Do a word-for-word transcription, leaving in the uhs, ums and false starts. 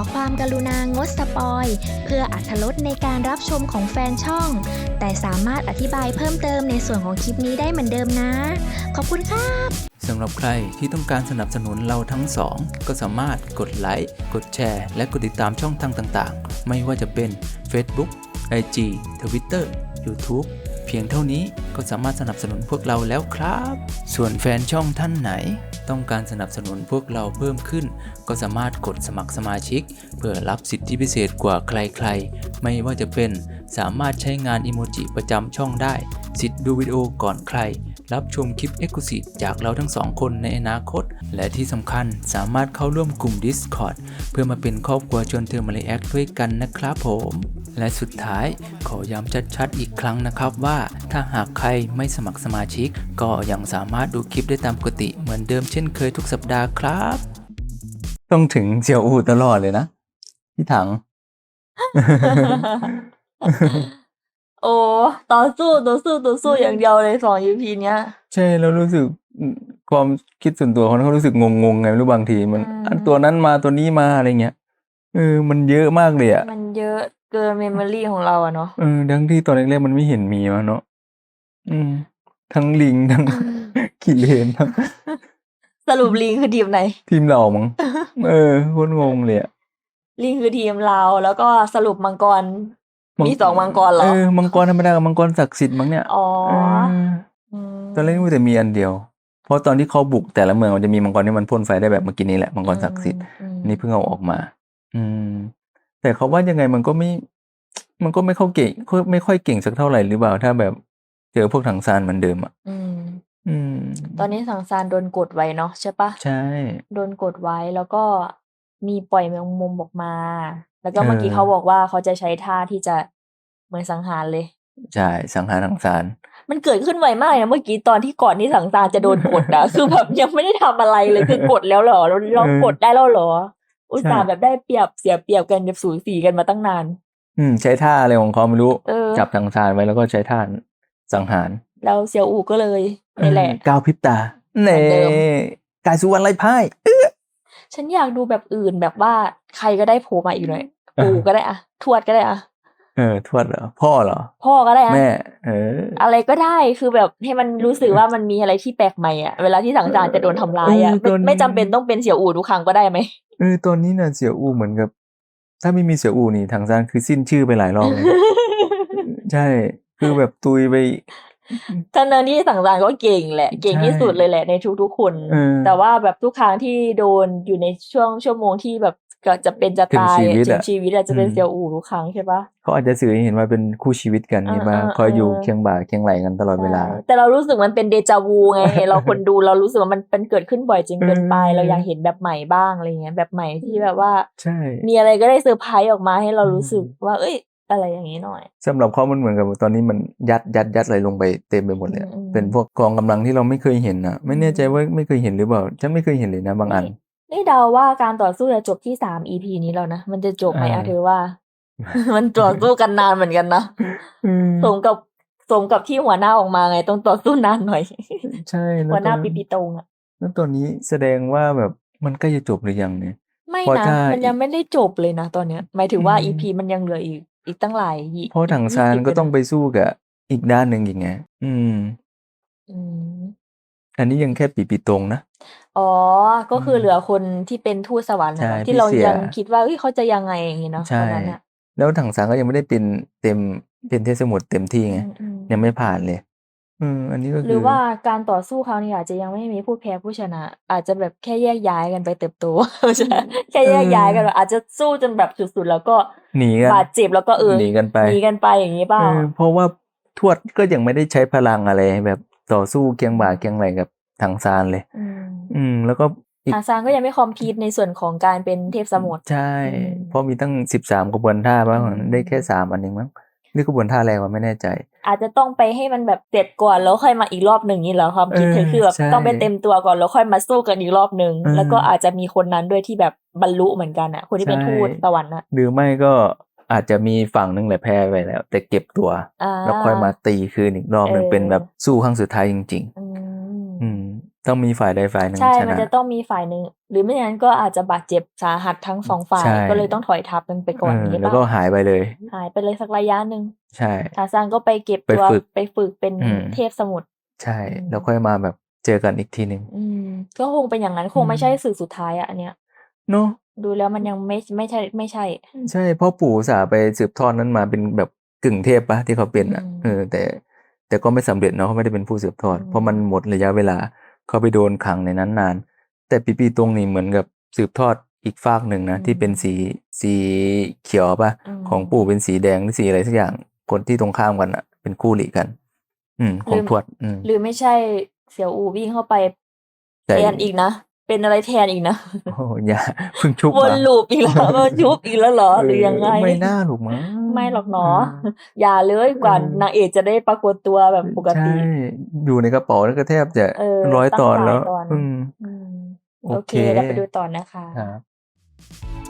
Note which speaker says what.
Speaker 1: ความกรุณางดสปอยเพื่ออรรถรสในการรับชมของแฟนช่อง แต่สามารถอธิบายเพิ่มเติมในส่วนของคลิปนี้ได้เหมือนเดิมนะ ขอบคุณครับ
Speaker 2: สำหรับใครที่ต้องการสนับสนุนเราทั้งสองก็สามารถกดไลค์กดแชร์และกดติดตามช่องทางต่างๆไม่ว่าจะเป็น Facebook ไอ จี Twitter YouTube เพียงเท่านี้ก็สามารถสนับสนุนพวกเราแล้วครับส่วนแฟนช่องท่านไหนต้องการสนับสนุนพวกเราเพิ่มขึ้นก็สามารถกดสมัครสมาชิกเพื่อรับสิทธิพิเศษกว่าใครๆไม่ว่าจะเป็นสามารถใช้งานอิโมจิประจำช่องได้สิทธิ์ดูวิดีโอก่อนใครรับชมคลิป Exclusive จากเราทั้งสองคนในอนาคตและที่สำคัญสามารถเข้าร่วมกลุ่ม Discord เพื่อมาเป็นครอบครัวชวนเธอมารีแอคด้วยกันนะครับผมและสุดท้ายขอย้ำชัดๆอีกครั้งนะครับว่าถ้าหากใครไม่สมัครสมาชิกก็ยังสามารถดูคลิปได้ตามปกติเหมือนเดิมเช่นเคยทุกสัปดาห์ครับต้องถึงเสี่ยวอู่ตลอดเลยนะพี่ถัง
Speaker 3: โอ้ต่อสู้ต่อสู้ต่อสู้อย่างเดียวเลยสอง อี พี เนี้ย
Speaker 2: ใช่แล้วรู้สึกความคิดส่วนตัวเขาเขารู้สึกงงๆไงไม่รู้บางทีมัน
Speaker 3: อืม
Speaker 2: อันตัวนั้นมาตัวนี้มาอะไรเงี้ยเออมันเยอะมากเลยอ่ะ
Speaker 3: มันเยอะเกินเมมโมรี่ของเราอะเนาะ
Speaker 2: เออทั้งที่ตอนแรกๆมันไม่เห็นมีมาเนาะอืมทั้งลิงทั้ง กิเลนทั้ง
Speaker 3: สรุปลิงคือทีมไหน
Speaker 2: ทีมเรามั้งเออโคตรงงเลยอ่ะ
Speaker 3: ลิงคือทีมเราแล้วก็สรุปมังกร
Speaker 2: มัง
Speaker 3: มีสองมังกรเหร
Speaker 2: เอ
Speaker 3: อ
Speaker 2: อมังกรธรรมดากับมังกรศักดิ์สิทธิ์มั้งเนี่ย
Speaker 3: อ๋อ
Speaker 2: เออ
Speaker 3: อืม
Speaker 2: ตอนแรกนึกว่าแต่มีอันเดียวเพราะตอนที่เขาบุกแต่ละเมืองมันจะมีมังกรที่มันพ่นไฟได้แบบเมื่อกี้นี้แหละมังกรศักดิ์สิทธิ์
Speaker 3: อืม
Speaker 2: นี่เพิ่งเอาออกมา อืม แต่เขาว่ายังไงมันก็ไม่ มันก็ไม่เข้าเก่งไม่ค่อยเก่งสักเท่าไหร่หรือเปล่าถ้าแบบเจอพวกถังซานเหมือนเดิมอ่ะ
Speaker 3: อืม
Speaker 2: อืม
Speaker 3: ตอนนี้สังซานโดนกดไว้เนาะใช่ปะ
Speaker 2: ใช่
Speaker 3: โดนกดไว้แล้วก็มีปล่อยแมงมุมออกมา แล้วก็
Speaker 2: เออ
Speaker 3: เมื่อกี้เขาบอกว่าเขาจะใช้ท่าที่จะเหมือนสังหารเลย
Speaker 2: ใช่สังหารถังซาน
Speaker 3: มันเกิดขึ้นไวมากนะเมื่อกี้ตอนที่ก่อนที่สังซานจะโดนกดอะ คือแบบยังไม่ได้ทำอะไรเลยคือกดแล้วเหรอเราเรากดได้แล้วเหรอ อุตส่าห์แบบได้เปรียบเสียเปรียบกันแบบสูสีกันมาตั้งนาน
Speaker 2: อืมใช้ท่าอะไรของเขาไม่รู้
Speaker 3: เออ
Speaker 2: จับถังซานไว้แล้วก็ใช้ท่าสังหาร
Speaker 3: แล้วเซียวอูก็เลยนี่แหละ
Speaker 2: เออก้าวพริบตา
Speaker 3: เหมื
Speaker 2: เน่
Speaker 3: อนเดิม
Speaker 2: กายสุวรรณไร้พ่าย
Speaker 3: ฉันอยากดูแบบอื่นแบบว่าใครก็ได้โผล่มาอีกหน่อย ปู่ก็ได้อะทวดก็ได้อะ
Speaker 2: เออทวดเหรอพ่อเหรอ
Speaker 3: พ่อก็ได้อะ
Speaker 2: แม่ เออ
Speaker 3: อะไรก็ได้คือแบบให้มันรู้สึกว่ามันมีอะไรที่แปลกใหม่อะเวลาที่สังสารจะโดนทำร้ายอะ
Speaker 2: เออ
Speaker 3: ไม่
Speaker 2: ตอนนี้
Speaker 3: ไม่จำเป็นต้องเป็นเสี่ยวอู่ทุกครั้งก็ได้ไหม
Speaker 2: เออตอนนี้น่ะเสี่ยวอูเหมือนกับ ถ้าไม่มีเสี่ยวอูนี่ถังซานคือสิ้นชื่อไปหลายรอบเลย ใช่ คือแบบตุยไป
Speaker 3: ทั้งนั้นที่สังสารก็เก่งแหละ เก่ง
Speaker 2: ใช่
Speaker 3: ที่สุดเลยแหละในทุกๆคน
Speaker 2: เออ
Speaker 3: แต่ว่าแบบทุกครั้งที่โดนอยู่ในช่วงชั่วโมงที่แบบก็จะเป็นจะตาย
Speaker 2: ถึงชีวิต
Speaker 3: ถึ
Speaker 2: อะ
Speaker 3: งชีวิตอะจะเป็น
Speaker 2: อืม
Speaker 3: เสี่ยวอู่ทุกครั้งใช่ปะ
Speaker 2: เขาอาจจะสื่อให้เห็นว่าเป็นคู่ชีวิตกัน
Speaker 3: เออ
Speaker 2: นี่มา
Speaker 3: เออ
Speaker 2: คอยอยู่
Speaker 3: เออ
Speaker 2: เคียงบ่าเคียงไหลกันตลอดเวลา
Speaker 3: ใช่แต่เรารู้สึกมันเป็นเดจาวูไง เราคนดูเรารู้สึกว่ามันเป็นเกิดขึ้นบ่อยจนเกินไป
Speaker 2: เออ
Speaker 3: เราอยากเห็นแบบใหม่บ้างอะไรเงี้ยแบบใหม่ที่แบบว่า
Speaker 2: ใช่
Speaker 3: มีอะไรก็ได้เซอร์ไพรส์ออกมาให้เรา
Speaker 2: อืม
Speaker 3: รู้สึกว่า เอ้ย อะไรอย่างนี้หน่อย
Speaker 2: สำหรับเขามันเหมือนกับตอนนี้มันยัดยัดยัดอะไรลงไปเต็มไปหมดเลยอะ
Speaker 3: อืมอืม
Speaker 2: เป็นพวกกองกำลังที่เราไม่เคยเห็นอ่ะ ไม่แน่ใจว่าไม่เคยเห็นหรือเปล่าฉันไม่เคยเห็นเลยนะบางอัน
Speaker 3: นี่เดาว่าการต่อสู้จะจบที่สาม อี พี นี้แล้วนะ มันจะจบไหม
Speaker 2: เออ
Speaker 3: อะเธอว่า มันต่อสู้กันนานเหมือนกันนะ
Speaker 2: อืม
Speaker 3: สมกับสมกับที่หัวหน้าออกมาไงต้องต่อสู้นานหน่อย
Speaker 2: ใช่แล้ว
Speaker 3: หัวหน้า
Speaker 2: ตอน
Speaker 3: ปีปีตรงอะ
Speaker 2: แล้วตอนนี้แสดงว่าแบบมันใกล้จะจบหรือยังเนี่ย
Speaker 3: ไม่
Speaker 2: เพราะ
Speaker 3: นะ
Speaker 2: ถ้า
Speaker 3: มันยังไม่ได้จบเลยนะตอนเนี้ย หมายถึงว่า
Speaker 2: อืม
Speaker 3: อี พี มันยังเหลืออีก อีกตั้งหลายยี่
Speaker 2: เพราะถังซานก็ต้องไปสู้กับอีกด้านหนึ่งอีกไงอืม
Speaker 3: อืม
Speaker 2: อันนี้ยังแค่ปีปีตรงนะ
Speaker 3: อ๋อ ก็คือ
Speaker 2: ม
Speaker 3: เหลือคนที่เป็นทูตสวรรค์นะ
Speaker 2: ใช่
Speaker 3: เนาะ
Speaker 2: พี่
Speaker 3: ที่เรา
Speaker 2: เสี่ย
Speaker 3: ยังคิดว่าเอ้ยเขาจะยังไงอย่างงี้เนาะ
Speaker 2: ใช่
Speaker 3: ตอนนั้นอะ
Speaker 2: แล้วถังซานก็ยังไม่ได้เป็นเต็มเป็นเทพสมุทรเต็มที่ไง
Speaker 3: อืมอืม
Speaker 2: ยังไม่ผ่านเลย อืมอันนี้ก็
Speaker 3: ห
Speaker 2: คื
Speaker 3: รือ อว่าการต่อสู้ครั้งนี้อาจจะยังไม่มีผู้แพ้ผู้ชนะ อาจจะแบบแค่แยกย้ายกันไปเติบโต ไม่ใช่แค่แยกย้ายกันแบบอาจจะสู้จนแบบสุดๆ แล้วก็
Speaker 2: หนีกัน
Speaker 3: บาดเจ็บแล้วก็เออ
Speaker 2: หนีกันไป
Speaker 3: หนีกันไปอย่างนี้เปล่า
Speaker 2: เออเพราะว่าทวดก็ยังไม่ได้ใช้พลังอะไรแบบต่อสู้เคียงบ่าเคียงไหลกับถังซานเลย
Speaker 3: อืม
Speaker 2: อืม แล้วก็อีก
Speaker 3: ทางซานก็ยังไม่คอมพีทในส่วนของการเป็นเทพสมุทร
Speaker 2: ใช่
Speaker 3: อืม
Speaker 2: เพราะมีตั้งสิบสามกระบวนท่าบ้าง
Speaker 3: อืม
Speaker 2: ได้แค่สามอันเองมั้งหรือกระบวนท่าอะไรวะไม่แน่ใจ
Speaker 3: อาจจะต้องไปให้มันแบบเสร็จก่อนแล้วค่อยมาอีกรอบหนึ่งนี่เหรอความคิดเธอ
Speaker 2: เออ
Speaker 3: คือแบบ
Speaker 2: ใช่
Speaker 3: ต้องไปเต็มตัวก่อนแล้วค่อยมาสู้กันอีกรอบหนึ่ง
Speaker 2: เออ
Speaker 3: แล้วก็อาจจะมีคนนั้นด้วยที่แบบบรรลุเหมือนกันอ่ะ คนที่เป็น
Speaker 2: ใช่
Speaker 3: ทูตสวรรค์อ่ะ
Speaker 2: หรือไม่ก็อาจจะมีฝั่งหนึงแหละแพ้ไปแล้ว แต่เก็บตัว
Speaker 3: อ่า
Speaker 2: แล้วค่อยมาตีคืนอีกรอบหนึ่ง
Speaker 3: เออ
Speaker 2: เป็นแบบสู้ครั้งสุดท้ายจริง
Speaker 3: อืม
Speaker 2: ๆ อืมต้องมีฝ่ายใดฝ่ายหนึ่ง
Speaker 3: ใช่
Speaker 2: ช
Speaker 3: มัน
Speaker 2: นะ
Speaker 3: จะต้องมีฝ่ายหนึ่งหรือไม่อย่างนั้นก็อาจจะบาดเจ็บสาหัสทั้งสองฝ่า
Speaker 2: ใช่
Speaker 3: ยก็เลยต้องถอยทัพกันไปก่อน
Speaker 2: เออ
Speaker 3: อย่างงี้
Speaker 2: แล้ว
Speaker 3: เป
Speaker 2: ก็
Speaker 3: ล่า
Speaker 2: หายไปเลย
Speaker 3: หายไปเลยสักระยะหนึ่ง
Speaker 2: ใช่
Speaker 3: ทาซานก็ไปเก็บ
Speaker 2: ไป
Speaker 3: ตัว
Speaker 2: ฝึก
Speaker 3: ไปฝึกเป็น
Speaker 2: อืม
Speaker 3: เทพสมุทร
Speaker 2: ใช่
Speaker 3: อืม
Speaker 2: แล้วค่อยมาแบบเจอกันอีกทีหนึ่ง
Speaker 3: อืม ก็คงเป็นอย่างนั้น ค
Speaker 2: อื
Speaker 3: งไม่ใช่
Speaker 2: ม
Speaker 3: สื่อสุดท้ายอะอันเนี้ย
Speaker 2: เนาะ
Speaker 3: ดูแล้วมันยังไม่ ไม่ใช่ ไม่ใช่
Speaker 2: ใช่ เพราะปู่อุตส่าห์ไปสืบทอดนั้นมาเป็นแบบกึ่งเทพเปล่า? ที่เขาเป็
Speaker 3: อื
Speaker 2: นอะ เอ
Speaker 3: ม
Speaker 2: อ แต่ แต่ก็ไม่สำเร็จเนาะ เขาไม่ได้เป็นผู้สืบท
Speaker 3: อื
Speaker 2: อด เพราะมัน
Speaker 3: ม
Speaker 2: หมดระยะเวลา เขาไปโดนขังในนั้นนาน แต่ปีปีตงนี่เหมือนกับสืบทอดอีกฝากหนึ่ง
Speaker 3: อื
Speaker 2: นะ ที่เป็น
Speaker 3: ม
Speaker 2: สี สีเขียวเปล่า?
Speaker 3: อื
Speaker 2: ของปู่
Speaker 3: ม
Speaker 2: เป็นสีแดง หรือสีอะไรสักอย่าง คนที่ตรงข้ามกันน่ะ เป็นคู่หรี่กัน อืม
Speaker 3: ห
Speaker 2: ข
Speaker 3: หรือ
Speaker 2: องทวด อืม
Speaker 3: หรือไม่ใช่เสี่ยวอู่วิ่งเข้าไป
Speaker 2: ใช่
Speaker 3: แทนอีกนะ เป็นอะไรแทนอีกนะ
Speaker 2: โอ้โฮ อย่า เพิ่งชุบ
Speaker 3: ว
Speaker 2: มาน
Speaker 3: loop อีก แล้ว มาชุบอีกแล้วเหรอ
Speaker 2: เอ
Speaker 3: หรือยังไง?
Speaker 2: ไม่น่าหรอกมั้ง
Speaker 3: ไม่หรอกเนาะ
Speaker 2: เออ
Speaker 3: อย่าเลย
Speaker 2: เ
Speaker 3: กว่า
Speaker 2: ออ
Speaker 3: นางเอกจะได้ปรากฏตัวแบบปก
Speaker 2: ใช่
Speaker 3: ติ
Speaker 2: อยู่ในกระเป๋านี่ก็แทบจะ
Speaker 3: เออ
Speaker 2: ร้อย
Speaker 3: ตั้
Speaker 2: ต
Speaker 3: ง
Speaker 2: อน
Speaker 3: หลา
Speaker 2: แล้
Speaker 3: ยว ตอน
Speaker 2: อืม
Speaker 3: อืม
Speaker 2: โอ
Speaker 3: โอ
Speaker 2: เค
Speaker 3: เค เราไปดูต่อนะคะ
Speaker 2: ครับ